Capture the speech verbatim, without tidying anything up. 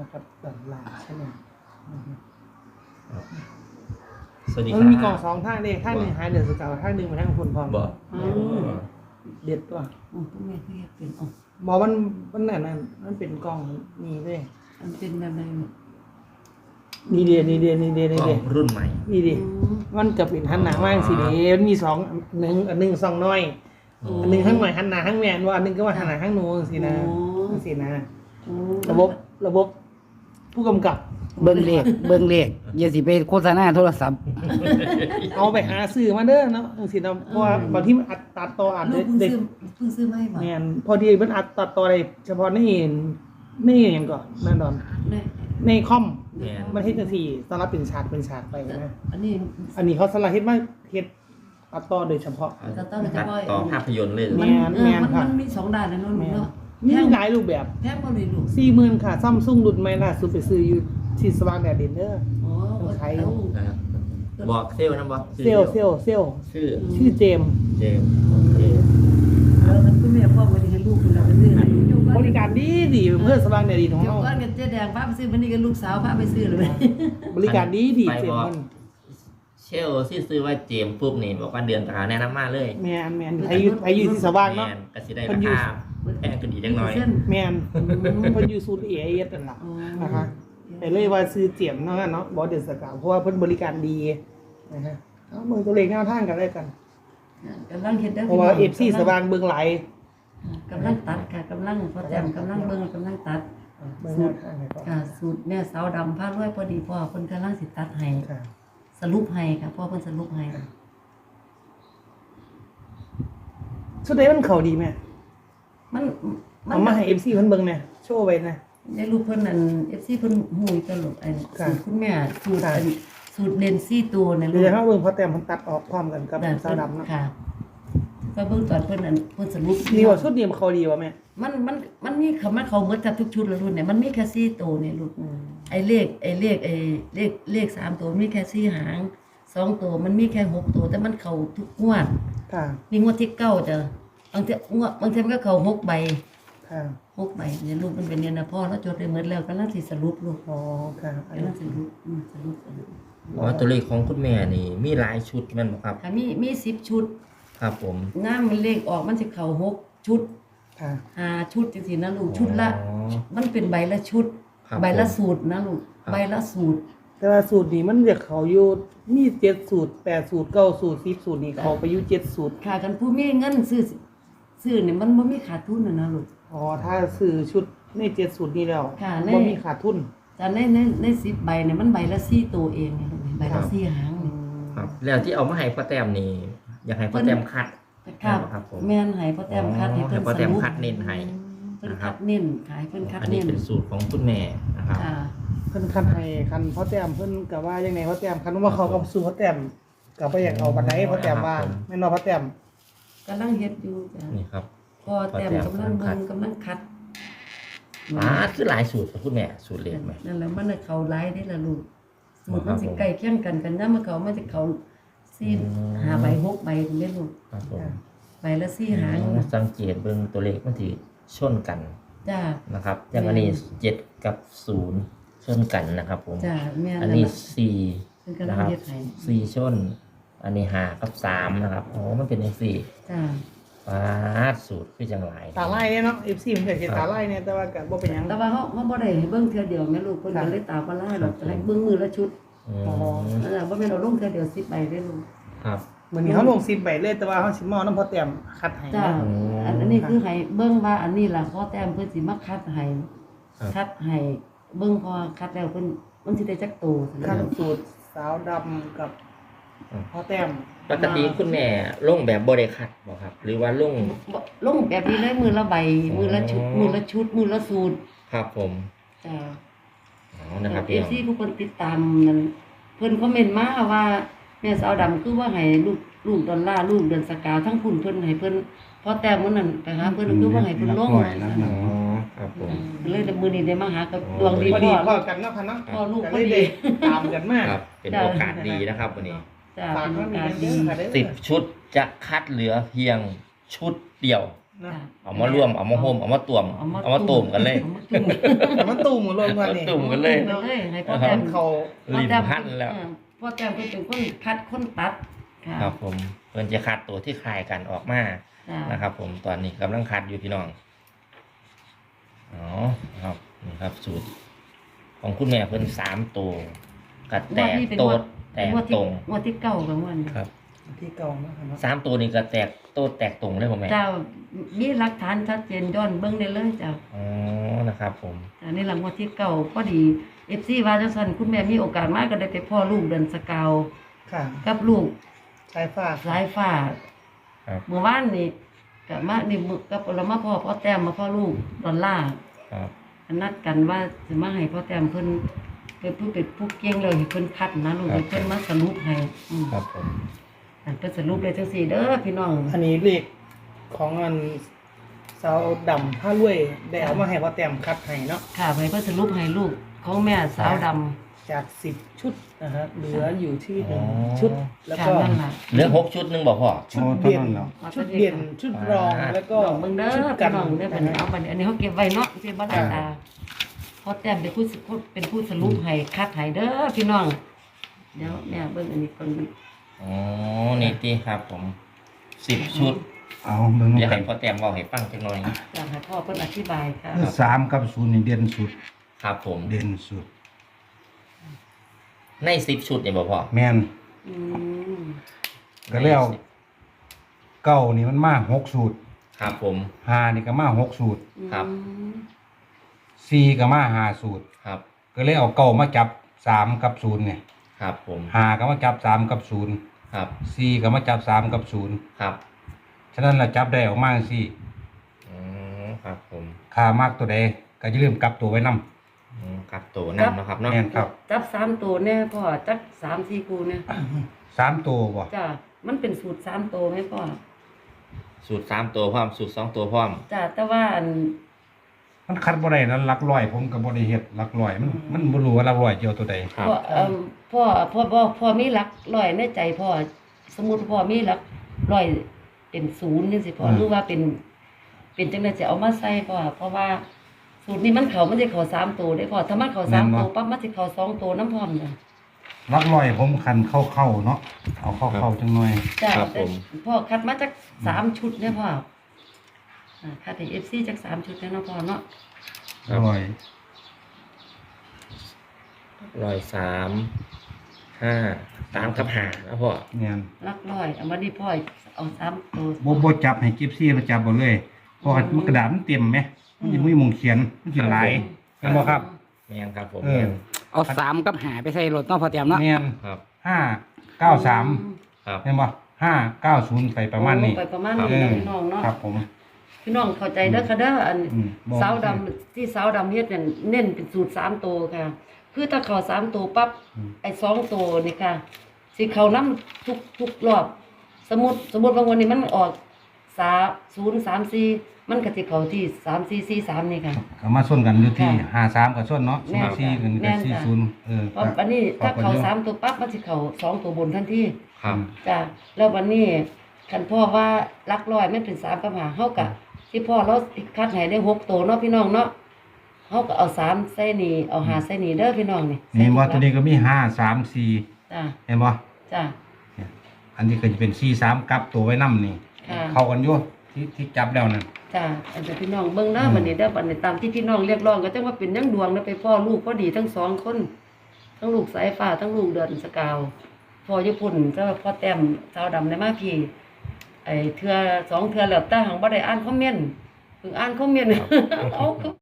นะครับดันลาใช่ไหมสวัสดีคมัรับนมีกล่องสองทางเด็กทางหนึ่งหายเดือดสกาวทางหนึ่งมาทางคนพร้อมบอกเด็ดตัวอ๋อพวกแม่คือเฮ็ดเป็นอ๋อหมอมันมันนั่นนั่นมันเป็นกล่องนี่เลยมันเป็นแบบไหนนี่เดียนี่เดียนี่เดียกนี่ล้อเดียงรุ่นใหม่นี่ดิมันจะเป็นหันหน้ามากสิเดียมันมีสองหนึ่งอันหนึ่งสองน้อยอันหนึ่งข้างหน่อยหันหน้าข้างแมนว่าอันหนึ่งก็ว่าหันหน้าข้างโน้นสินะสินะระบบระบบผู้กำกับเบิ่งเลขเบิ่งเลขอย่าสิไปโฆษณาโทรศัพท์เอาไปหาซื้อมาเด้อเนาะสินะเพราะว่าบางที่มันอัดตัดต่ออัดลูได้กเพิ่งได้ซื้อเพิ่งซื้อมาให้บ่แมนพอดีมันอัดตัดต่อได้เฉพาะในในอย่างก่อนนั่นดอนได้ในคอมแม่นมันเฮ็ดจังซี่สำหรับเป็นฉากเป็นฉากไปนะอันนี้อันนี้เขาสลับเฮ็ดมาเฮ็ดตัดต่อโดยเฉพาะตัดต่อโดยเฉตัดพาะต่อภาพยนตร์เลยแม่มันแม่นมันครับมันมีสองด้านนะเนาะลูกเนาะมีหลายรูปแบบแพงบ่เลยลูกสี่หมื่นค่ะซัมซุงรุ่นใหม่ล่าสุดไปซื้ออยู่ที่สว่างแดดดินเด้ออ๋อต้องใช้เอานะครับบอกเซลลนะบอกเซลลเซลลเซลลชื่อชื่อเจมส์เจมส์โอเคเอาแล้วคุณแม่พ่อบ่ได้ให้ลูกคุณแล้วไปซื้อให้อยู่ก่อนบริการดีดีเพื่อสว่างแดดดินของเดี๋ยวเราก่อนกับเจ๊แดงพาไปซื้อวันนี้กับลูกสาวพาไปซื้อเลยบริการดีดีเจมส์มันเชลที่ซื้อว่าเจมส์ปุ๊บนี่บอกว่าเดือนตาแนะนำมาเลยแมนแมนไผอยู่ไผอยู่ที่สว่างเนาะแม่นก็สิได้ราคาแพงขึ้นอีกจังหน่อยแมนเพิ่นอยู่ศูนย์เอเอสนั่นล่ะนะคะแต่เลยว่าซื้อเจียมเนาะเนาะบอสเดนสกาวเพราะว่าเพิ่นบริการดีนะฮะเอาเมืองตัวเลขแนวทางกันได้กันกำลังเฮ็ดได้เพราะว่า เอฟ ซี สว่างเบิ่งหลายกำลังตัดค่ะกำลังพอแต้มกำลังเบิ่งกำลังตัดเบิ่งแนวทางให้ก่อนค่ะสูตรแม่สาวดำผ้ารวยพอดีพ่อเพิ่นกำลังสิตัดให้ค่ะสรุปให้ค่ะพ่อเพิ่นสรุปให้สุดท้ายมันเข้าดีแม่มันมัเอามาให้ เอฟ ซี เพิ่นเบิ่งแน่โชว์ไว้นะได้รูปเพิ่นนั่น เอฟ ซี เพิ่นฮู้อยู่ตลอดไอ้ค่ะสูตรคุณแม่สูตรค่ะอันสูตรเลนซี่ตัวนั่นเดี๋ยวเฮาเบิ่งพอแต้มเพิ่นตัดออกพร้อมกันกับสาวดำเนาะค่ะก็เบิ่งตอนเพิ่นนั่นเพิ่นสรุปดีกว่าชุดนี้มันเข้าดีกว่าแม่มันมันมันมีคำว่าเขาหมดจับทุกชุดแล้วรุ่นเนี่ยมันมีแค่สี่ตัวเนี่ยรุ่นอืมไอ้เลขไอ้เลขไอ้เลขเลขสามตัวมีแค่สี่หางสองตัวมันมีแค่หกตัวแต่มันเข้าทุกงวดค่ะมีงวดที่เก้าจ้ะบางทีงวดบางทีมันก็เข้าหกใบค่ะหกใบเนี่ยลูกมันเป็นเนี่ยนะพ่อแล้วจดได้หมดแล้วกำลังสิสรุปลูกอ๋อค่ะอันกำลันี้งสรุปอืมสรุปสรุปอ๋อตัวเลขของคุณแม่นี่มีหลายชุดแม่นบ่ครับค่ะมีมีสิบชุดครับผมน้ำมันเลขออกมันสิเข้าหกชุดค่ะห้าชุดจังซี่นะลูกชุดละอ๋อมันเป็นใบละชุดครับใบละผมสูตรนะลูกครับใบละสูตรแต่ว่าสูตรนี้มันจะเข้าอยู่มีเจ็ดสูตรแปดสูตรเก้าสูตรสิบสูตรนี่เข้าไปอยู่เจ็ดสูตรค่ะกันผู้มีเงินซื้อซื้อเนี่ยมันบ่มีขาดทุนน่ะนะลูกอ๋อถ้าซื้อชุดในเจ็ดสูตรนี้แล้วค่ะในบ่มีขาดทุนแต่ในในในสิบใบเนี่ยมันใบละสี่ตัวเองเนี่ยลูกใบละสี่หางเนี่ยครับแล้วที่เอามาให้ป้าแต้มนี่อยากให้ป้าแต้มคัดครับครับผมแม่นให้พ่อแต้มคัดให้อ๋อเพิ่นให้พ่อแต้มสรุปคัดเน้นให้เพิ่นนะครัคับดเน้นขายเพิ่นคัดอันนี้เน้นเป็นสูตรของคุณแม่นะครับค่ะเพิ่นคันให้คันพ่อแต้มเพิ่นก็ว่ายังไงพ่อแต้มคันว่าเขากับสู่พ่อแต้มก็บ่อยากเอาปานใดพ่อแต้มว่าแม่นบ่พ่อแต้มกำลังเฮ็ดอยู่จ้ะนี่ครับพ่อแต้มกำลังเบิ่งกำลังคัดอ่าคือหลายสูตรของคุณแม่สูตรเล็กไหมนั่นแหละมันน่ะเข้าหลายได้ล่ะลูกสูตรครัมันบสิผมใกล้เคียงกันกันนำมาเขามันจะเข้าสี่อืมห้าใบหกใบนี่แม่ลูกครับผมใบละสี่หางสังเกตเบิ่งตัวเลขมันถือชนกันจ้านะครับอย่างอันนี้เจ็ดกับศูนย์ชนกันนะครับผมจ้าแม่นอันนั่นนี้ล่ะสี่เพิ่นกำลันะงครับเฮ็ดให้สี่ชน อันนี้ห้ากับสามนะครับอ๋อมันเป็นอย่างสี่จ้าปาดสูตรคือจังไรตาไล่เนี่ยเนาะ เอฟ ซี มันก็เฮ็ดตาไล่เนี่ยแต่ว่าก็บ่เป็นหยังแต่ว่าเฮาเฮาบ่ได้ให้เบิ่งเทื่อเดียวแม่ลูกเพิ่นก็เลยตาบ่ลายดอกให้เบิ่งมือละชุดอืมอ๋อนั่นแหละบ่แม่นเอาลงเทื่อเดียวสิบใบเด้อลูกครับมื้อนี้เฮาลงสิบใบเลยแต่ว่าเฮาสิมาเอานำพ่อแต้มคัดให้จ้านะอันอันนี้คือให้เบิ่งว่าอันนี้ล่ะพอแต้มเพิ่นสิมาคัดให้ครับคัดให้เบิ่งพอคัดแล้วเพิ่นมันสิได้จักโตคัดสูตรสาวดำกับพ่อแต้มปกติคุณแม่ลงแบบบริคัดบ่ครับ หรือว่าลงบ่ลงแบบนี้เลยมือละใบมือละชุดอ๋อมือละชุดมือละสูตรครับผมจ้าอ๋อนะครับเอพี่ฟน้องซีผู้คนติดตามนั่นเพิ่นคอมเมนต์มาว่าแม่สาวดำคือว่าให้ลูกลูกดอลลาร์ลูกเดือนสกาวทั้งคุณเพิ่นให้เพิ่นพอแต้มมื้อนั้นไปหาเพิ่นคือว่าให้เพิ่นลงอ๋อครับผมเลยแต่มื้อนี้ได้มาหากับอ๋อดวงดีพอพ่ดีอพ่อกันเนาะค่ะเนาะพ่อลูกก็พอเลยดีได้ตามกันมากครับ เป็นโอกาสดีนะครับวันนี้จ้าฝากเป็นไว้โอมีกาสเด้ดีอค่ะเด้อสิบชุดจะคัดเหลือเพียงชุดเดียวนะเอามาร่วมเอามาโฮมเอามาตวมเอามาต้มกันเลยเอามาตุ่มแต่มันตูมหมดเลยวันนี้ตุ่มกันเลยตุ่มกันเลยให้พ่อแต้มเขาลิ้นพันแล้วเออพ่อแต้มเพิ่นเป็นคนคัดคนตัดค่ะครับผมเพิ่นจะคัดตัวที่คล้ายกันออกมาจ้ะนะครับผมตอนนี้กำลังคัดอยู่พี่น้องอ๋อครับนี่ครับสูตร ของคุณแม่เพิ่นสามตัวกระแตกโตดแตกงวดที่ตรงงวดที่เก้ากับงวดนี้ครับที่เก่านะครับเนาะสามตัวนี้กระแตกโตดแตกตรงเลยผมแม่เจ้ามีหลักฐานชัดเจนย้อนเบิ่งได้เลยเจ้าอ๋อนะครับผมอันนี้หลังวันที่เก่าพอดี เอฟ ซี ว่าจังซั่นคุณแม่มีโอกาสมาก็ได้ไปพ่อลูกเดินสกาวค่ะกับลูกสายฟ้าสายฟ้าครับเมื่อวานนี่ก็มานี่มื้อกับเรามาพ่อพ่อแต้มมาพ่อลูกดอลลาร์ครับนัดกันว่าสิมาให้พ่อแต้มเพิ่นเป็นผู้เป็นผู้เก่งเลยให้เพิ่นคัดนะลูกให้เพิ่นมาสรุปให้อืมครับผมอันเพิ่นสรุปเลยจังซี่เด้อพี่น้องอันนี้เลขของอันสาวดำผ้ารวยได้เอามาให้พ่อแต้มคัดให้เนาะค่ะให้เพิ่นสรุปให้ลูกของแม่สาวดำจากสิบชุดนะฮะเหลืออยู่ที่หนึ่งชุด แล้วค่ะก็นั่นล่ะเหลือหกชุดหนึงบอกพ่อชุดเด่นโอ้เท่านั้นแล้วชุดเด่นชุดรองอ่าแล้วก็ก็เบิ่งเด้อชุดพี่กันน้องเด้อบัดนี้เอาบัดนี้อันนี้เขาเก็บไว้เนาะสิบ่ได้ตาพอแต้มเป็นผู้สเป็นผู้สรุปให้คัดให้เด้อพี่น้องเดี๋ยวแม่เบิ่งอันนี้ก่อนอ๋อนี่ที่ครับผมสิบชุดเอาเบิ่งเดี๋ยวกัให้นพ่อแต้มเว่าให้ฟังจักหน่อยอยากให้พ่อเพิ่นอธิบายค่ะคือสามกับศูนย์นี่เด่นสุดครับผมเด่นสุดในสิบชุดเนี่ยบอกพ่อแม่นอืมก็แล้วเก้านี่มันมาหกสูตรครับผมห้านี่ก็มาหกสูตรครับสี่ก็มาห้าสูตรครับก็เลยเอาเก้ามาจับสามกับศูนย์เนี่ยครับผมห้าก็มาจับสามกับศูนย์ครับสี่ก็มาจับสามกับศูนย์ครับฉะนั้นเราจับได้ออกมาสี่อืมครับผมค่ามากตัวใดก็จะเริ่าลืมกลับตัวไว้นำอืมครับตัวนั่นเนาะครับเนาะแม่นครับจับสามตัวแน่พ่อจักสามสี่คู่เนี่ยสามตัวบ่จ้ะมันเป็นสูตรสามตัวไหมพ่อสูตรสามตัวพร้อมสูตรสองตัวพร้อมจ้ะแต่ว่าอันมันคัดบ่ได้นั้นหลักร้อยผมก็บ่ได้เฮ็ดหลักร้อยมันมันบ่รู้ว่าหลักร้อยเจียวตัวใดครับพ่อเอิ่มพ่อพ่อพ่อพ่อมีหลักร้อยในใจพ่อสมมุติพ่อมีหลักร้อยเป็นศูนย์จังซี่พ่อหรือว่าเป็น เป็นจังได๋จะเอามาใส่พ่อเพราะว่า สูตรนี้มันเขามันสิเขาสามตัวได้พ่อถ้ามันเขาสามตัวปั๊บมันสิเขาสองตัวน้ำพร้อมจ้ะหลักร้อยผมคันเข้าๆเนาะเอาเข้าๆจังหน่อยจ้ะครับผมพ่อคัดมาจากสามชุดเนี่ยพ่ออ่าคัดให้ เอฟ ซี จากสามชุดเนี่ยเนาะพ่อเนาะร้อยร้อยสามห้าสามกับห้านะพ่อแม่นหลักร้อยเอามาดีพ่อเอาสามตัวบ่บ่จับให้กิฟซี่มาจับบ่เลยเพราะว่ามันกระดาษมันเต็มไหมมันสิบ่มีหมุงเขียนมันสิหลายเห็นบ่ครับแม่นครับผมเออแม่นเอาสามกับหาไปใส่รถเนาะพอเตรียมเนาะแม่นครับห้าเก้าสามครับเห็นบ่ห้าเก้าศูนย์ไปประมาณนี้โอ้ไปประมาณเอนี้อพี่น้องเนาะครับผมพี่น้องเข้าใจเด้อค่ะเด้ออันอืมบอกสาวดำที่สาวดำเฮ็ดเนี่ยเน้นเป็นสูตรสามตัวค่ะ คือถ้าเขาสามตัวปั๊บอืมไอ้สองตัวนี่ค่ะสิเขานํทุกทุกรอบ สมมุติสมมุติว่าวันนี้มันออกสามศูนย์สามสี่มันก็สิเข้าที่สามสี่สี่สามนี่ค่ะก็มาส่วนกันอยู่ที่ค่ะห้าสามกับส่วนเนาะแม่ศูนนย์สี่กันแม่กับนสี่จ้ะศูนย์เออเพราะอันนี้ถ้าเขาขอบคุณสามตัวปั๊บมันสิเขาสองตัวบนทันทีครับจ้ะแล้ววันนี้คันพ่อว่าลักร้อยมันเป็นสามกับหาเฮากะที่พ่อเราคัดให้ได้หกตัวเนาะพี่น้องเนาะเฮาก็เอาสามใส่นี่เอาหาใส่นี่เด้อพี่น้องนี่นี่บ่ตัวนี้ก็มีห้าสามสี่จ้ะเห็นบ่จ้ะอันนี้ก็จะเป็นสี่สามกลับตัวไว้นำนี่ค่ะเข้ากันอยู่ที่ที่จับแล้วนั่นจ้ะอันเดี๋ยวพี่น้องเบิ่งเด้ออืมบัดนี้เด้อบัดนี้ตามที่พี่น้องเรียกร้องก็จังว่าเป็นยังดวงเด้อไปพ่อลูกพอดีทั้งสองคน ทั้งลูกสายฟ้าทั้งลูกเดือนสกาวพ่อญี่ปุ่นก็พ่อแต้มสาวดำในมาพี่ไอ้เทื่อสองเทื่อแล้วแต่หังบ่ได้อ่านคอมเมนต์เพิ่งอ่านคอมเมนต์เอาคือ